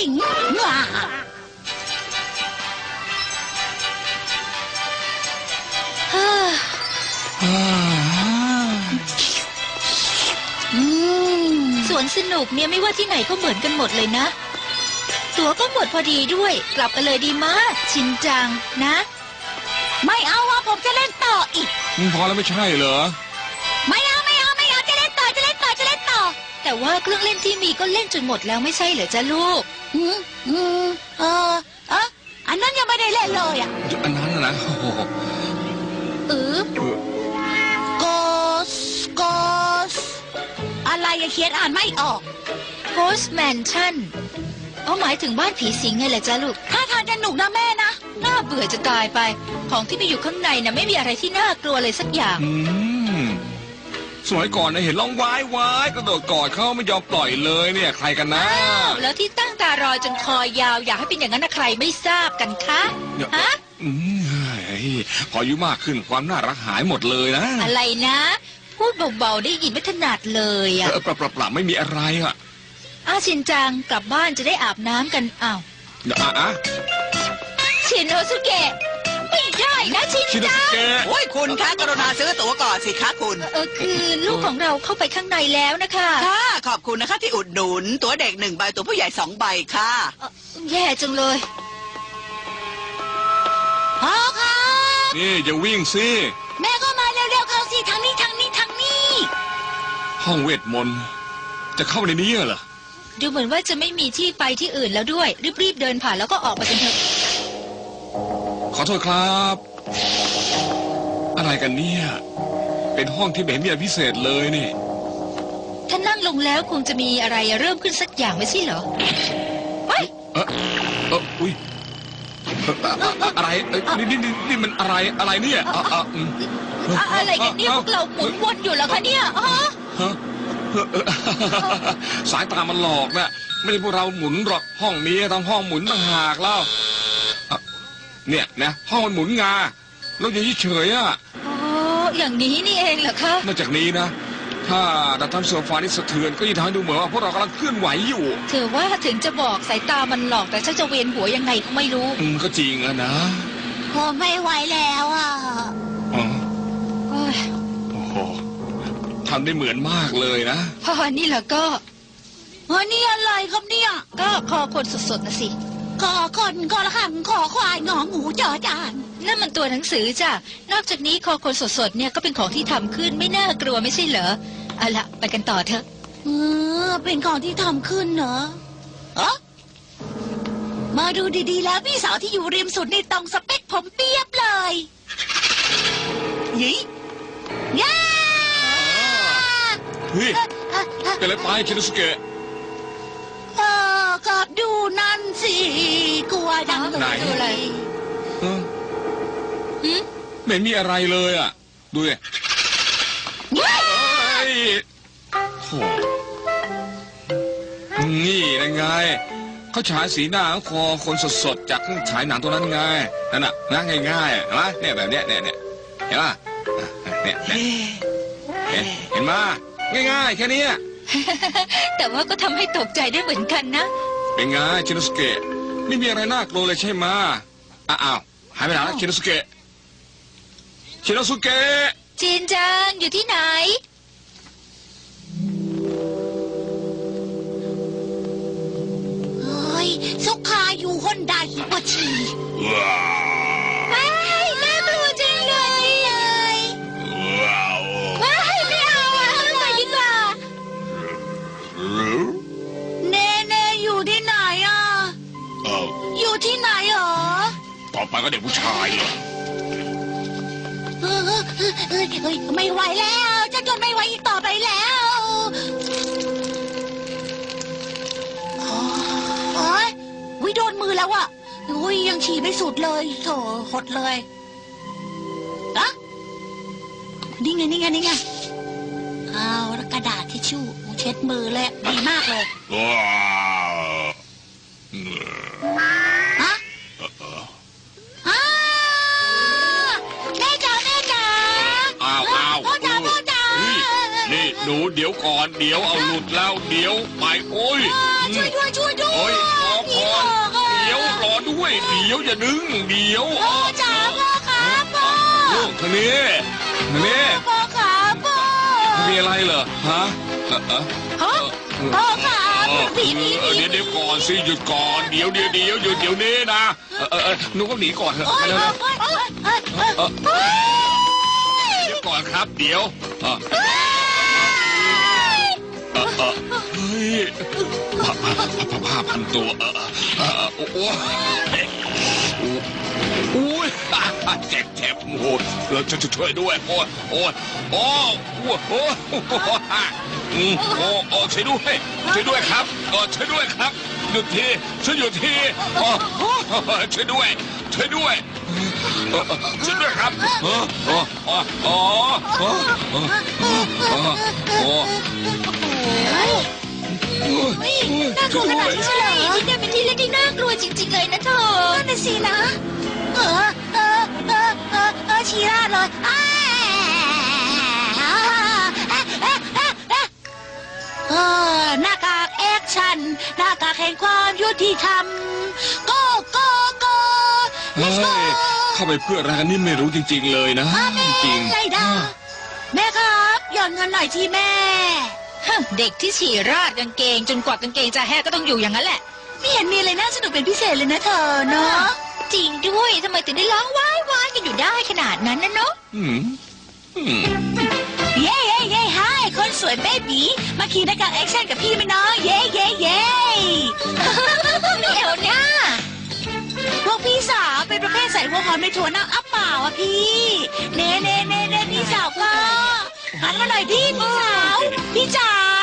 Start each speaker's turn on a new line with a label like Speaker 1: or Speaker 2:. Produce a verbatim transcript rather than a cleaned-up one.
Speaker 1: ญิงว้า
Speaker 2: สวนสนุกเนี่ยไม่ว่าที่ไหนก็เหมือนกันหมดเลยนะตั๋วก็หมดพอดีด้วยกลับกันเลยดีมากชินจังนะ
Speaker 1: ไม่เอาว่าผมจะเล่นต่ออีก
Speaker 3: พอแล้วไม่ใช่เหรอ
Speaker 1: ไม่เอาไม่เอาไม่เอาจะเล่นต่อจะเล่นต่อจะเล่นต่อ
Speaker 2: แต่ว่าเครื่องเล่นที่มีก็เล่นจนหมดแล้วไม่ใช่เหรอจ๊ะลูก
Speaker 1: อืมอืมเออเอออันนั้นยังไม่ได้เล่นเลยอ่ะ
Speaker 3: อันนั้นนะ
Speaker 2: เออ
Speaker 1: โกสโกสอะไรอะเขียนอ่านไม่ออก
Speaker 2: Ghost Mansion เอาหมายถึงบ้านผีสิงไงแหละจ๊ะลูก
Speaker 1: ถ้าทางจะหนุกนะแม่นะ
Speaker 2: น่าเบื่อจะตายไปของที่มีอยู่ข้างในน่ะไม่มีอะไรที่น่ากลัวเลยสักอย่าง
Speaker 3: อืมสมัยก่อนนะเห็นร้องว้ายว้ายกระโดดกอดเขาไม่ยอมปล่อยเลยเนี่ยใครกันนะ
Speaker 2: แล้วที่ตั้งตารอจนคอยาวอยากให้เป็นอย่างนั้นนะใครไม่ทราบกันคะฮะ
Speaker 3: อืมพออายุมากขึ้นความน่ารักหายหมดเลยนะ
Speaker 2: อะไรนะพูดเบาๆได้ยินไม่ถนัดเลยอ่ะ
Speaker 3: เออปรับปรับไม่มีอะไรอ่ะ
Speaker 2: อาชินจังกลับบ้านจะได้อาบน้ำกันอ้าว
Speaker 3: อ่ะอ่ะ
Speaker 2: ชินโนสุเกะไม่ได้นะชินจัง
Speaker 4: โอ้ยคุณคะกรุณาซื้อตั๋วก่อนสิคะคุณ
Speaker 2: เออคือลูกของเราเข้าไปข้างในแล้วนะคะ
Speaker 4: ค่ะขอบคุณนะคะที่อุดหนุนตั๋วเด็กหนึ่งใบตั๋วผู้ใหญ่สองใบค่ะ
Speaker 2: แย่จังเลย
Speaker 1: พ่อครับ
Speaker 3: นี่อย่าวิ่งสิ
Speaker 1: แม่ก็มาเร็วๆเข้าสิทางนี้ทางนี้ทางนี้
Speaker 3: ห้องเวทมนต์จะเข้าในนี้เหรอ
Speaker 2: ดูเหมือนว่าจะไม่มีที่ไปที่อื่นแล้วด้วยรีบๆเดินผ่านแล้วก็ออกไปกันเถอะ
Speaker 3: ขอโทษครับอะไรกันเนี่ยเป็นห้องที่แบบมีอะไรพิเศษเลยนี่
Speaker 2: ถ้านั่งลงแล้วคงจะมีอะไรเริ่มขึ้นสักอย่างไม่ใช่เหรอ
Speaker 3: เฮ้ยเออเอออุ้ยอะไรนี่นี่นี่มันอะไรอะไรเนี่ย
Speaker 2: อะไรกันเนี่ยพวกเราหมุนวนอยู่แล้วคะเนี่ยฮะ
Speaker 3: สายตามันหลอกนะไม่ใช่พวกเราหมุนหรอกห้องนี้ทั้งห้องหมุนต่างหากแล้วเนี่ยนะห้องมันหมุนงาเราอย่าเฉยอ่ะ
Speaker 2: อ๋ออย่างนี้นี่เองเหรอคะ
Speaker 3: นอกจากนี้นะถ้าดัตตันโซฟานี่สะเทือนก็ยิ่งทำให้ดูเหมือนว่าพวกเรากำลังเคลื่อนไหวอยู่
Speaker 2: ถือว่าถึงจะบอกสายตามันหลอกแต่ฉันจะเวียนหัวยังไงก็ไม่รู้
Speaker 3: อืมก็จริงอะนะ
Speaker 1: พอไม่ไหวแล้วอ่ะ
Speaker 3: อ๋อโอ้โหทำได้เหมือนมากเลยนะ
Speaker 2: พอนี่แหละก็
Speaker 1: เฮ้ยนี่อะไรครับเนี่ย
Speaker 2: ก็คอคนสดๆนะสิ
Speaker 1: คอคนคอละหังคอควายงองูจอจาน
Speaker 2: นั่นมันตัวหนังสือจ้ะนอกจากนี้คอคนสดๆเนี่ยก็เป็นของที่ทำขึ้นไม่น่ากลัวไม่ใช่เหรอเอาละไปกันต่อเถอะ
Speaker 1: เออเป็นของที่ทำขึ้นเหรอเออมาดูดีๆแล้วพี่สาวที่อยู่ริมสุดนี่ตรงสเปคผมเปียบเลย
Speaker 3: ยี่
Speaker 1: ย่า
Speaker 3: เฮ้ยเป็นอะไรไปชินโนสุเกะ
Speaker 1: เออกับดูนั่นสิกลัวดัง
Speaker 3: เลย
Speaker 2: ดูอะไร
Speaker 3: ไม่มีอะไรเลยอ่ะดูดิโอ้นี่ยังไงเขาฉายสีหน้าคอคนสดๆจากเครื่องฉายหนังตัวนั้นไงนั่นน่ะนะง่ายๆเห็นไหมเนี่ยแบบเนี้ยเนี่ยเนี่ยเห็นป่ะเนี่ยเนี่ยเห็นไหมง่ายๆแค่นี้
Speaker 2: แต่ว่าก็ทำให้ตกใจได้เหมือนกันนะ
Speaker 3: เป็นไงชินโนสุเกะไม่มีอะไรน่ากลัวเลยใช่ไหมอ้าวหายไปไหนแล้วชินโนสุเกะชินโนสุเกะ
Speaker 2: จินจังอยู่ที่ไหน
Speaker 1: เฮ้ยสุขาอยู่ฮอนดาฮิโปชิ
Speaker 2: ว้ายน่ากลัวจังเลยเลยว้ายไม่เอาอ่ะไปดีกว่า
Speaker 1: เน่เน่อยู่ที่ไหนอ่ะอยู่ที่ไหนหรอ
Speaker 3: ต่อไปก็เด็กผู้ชายเหรอ
Speaker 1: ไม่ไหวแล้วจะทนไม่ไหวอีกต่อไปแล้วโอ้ยวิโดนมือแล้วอ่ะอุ้ยยังฉี่ไม่สุดเลยโถหดเลยอะนี่ไงนี่ไงนี่ไงเอากระดาษทิชชู่เช็ดมือเลยดีมากเลย
Speaker 3: หนูเดี๋ยวดี๋ยวก่อนเดี๋ยวเอาหลุดแล้วเดี๋ยวไปโอ้ย
Speaker 1: ช่วยด้วยช่วยด้วย
Speaker 3: โอ้ยรอก่อนเดี๋ยวรอด้วยเดี๋ยวอย่าดึงเดี๋ยว
Speaker 1: พ่อจ๋าพ่อครับพ่อ
Speaker 3: ลูกทางนี้ทางนี้
Speaker 1: พ่อครับพ่อ
Speaker 3: มีอะไรเหรอฮะเออเออ
Speaker 1: ฮะพ่อครับผีผีผี
Speaker 3: เดี๋ยวเดี๋ยวก่อนสิหยุดก่อนเดี๋ยวเดี๋ยวเดี๋ยวหยุดเดี๋ยวนี้นะเออเออเออหนูก็หนีก่อนเถอะ
Speaker 1: โอ้ย
Speaker 3: เร็ว
Speaker 1: โอ้ย
Speaker 3: ๆ
Speaker 1: โอ้ยโอ้ยโอ้ยโอ้ย
Speaker 3: เดี๋ยวก่อนครับเดี๋ยวเออเออเออเฮ้ยผ้าผ้าผ้าผ้าพันตัวเออเออโอ้โหโอ้ยเจ็บเจ็บโอ้โหเราจะช่วยด้วยโอ้ยโอ้ยโอ้โหโอ้โหอืมโอ้โอ้ช่วยด้วยช่วยด้วยครับเออช่วยด้วยครับหยุดทีช่วยหยุดทีโอ้ช่วยด้วยช่วยด้วยช่วยด้วยครับโอ้โอ้โอ้โอ้โอ้โอ้โอ้
Speaker 1: น่ากลัวขนาดนี้ใช่เหรอ
Speaker 2: ที่นี่เป็นที่เล่นที่น่ากลัวจริง ๆ เลยนะเธอ
Speaker 1: นั่นน่ะสินะ เออเออเออเออเออชีราดเลยอ้าเออหน้ากากแอคชั่นหน้ากากแห่งความยุติธรรมโกโกโก
Speaker 3: เฮ้ยเข้าไปเพื่ออะไรกันนี่ไม่รู้จริง ๆ เลยนะ
Speaker 1: แม่
Speaker 3: จริง
Speaker 1: ไรดาแม่ครับหย่อนเงินหน่อยทีแม่
Speaker 2: ฮะเด็กที่ฉี่ราดกางเกง จนกว่ากางเกงจะแห้งก็ต้องอยู่อย่างนั้นแหละ
Speaker 1: ไม่เห็นมีอะไรน่าสนุกเป็นพิเศษเลยนะเธอเนาะ
Speaker 2: จริงด้วยทำไมถึงได้ร้องว้ายว้ายกันอยู่ได้ขนาดนั้นนะเนาะ
Speaker 3: อืมอืม
Speaker 1: เย้เย้เย้ไฮคนสวยเบบีมาขี่หน้ากากแอคชั่นกับพี่ไหมน้องเย้เย้เย้
Speaker 2: ไม่เอาหน้า
Speaker 1: พวกพี่สาวเป็นประเภทใส่หัวหอมในถั่วเน่าอัปเปล่าอ่ะพี่เน่เน่เน่เน่พี่สาวก็หันมาหน่อยพี่พี่สาวพี่จ๋า